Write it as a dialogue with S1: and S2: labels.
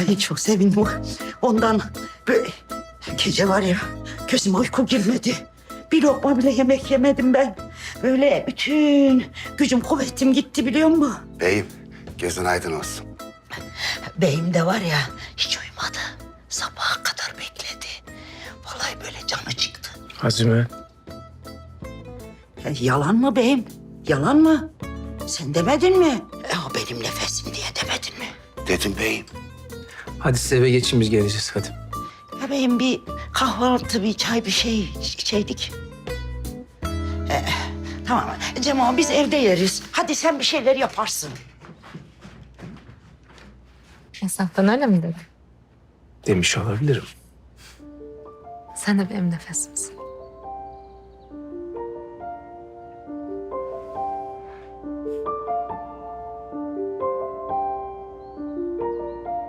S1: Ay çok sevindim. Ondan böyle gece var ya gözüme uyku girmedi. Bir lokma bile yemek yemedim ben. Böyle bütün gücüm kuvvetim gitti biliyor musun?
S2: Beyim, gözün aydın olsun.
S1: Beyim de var ya hiç uyumadı. Sabaha kadar bekledi. Vallahi böyle canı çıktı.
S3: Azime.
S1: Yalan mı beyim? Yalan mı? Sen demedin mi? O benim nefesim diye demedin mi?
S2: Dedim beyim.
S3: Hadi siz eve geçin biz geleceğiz hadi.
S1: Ya beyim bir kahvaltı, bir çay, bir şey içeydik. Tamam Cemal biz evde yeriz. Hadi sen bir şeyler yaparsın.
S4: Esnaftan öyle mi dedi?
S3: Demiş olabilirim.
S4: Sen de benim nefesimsin.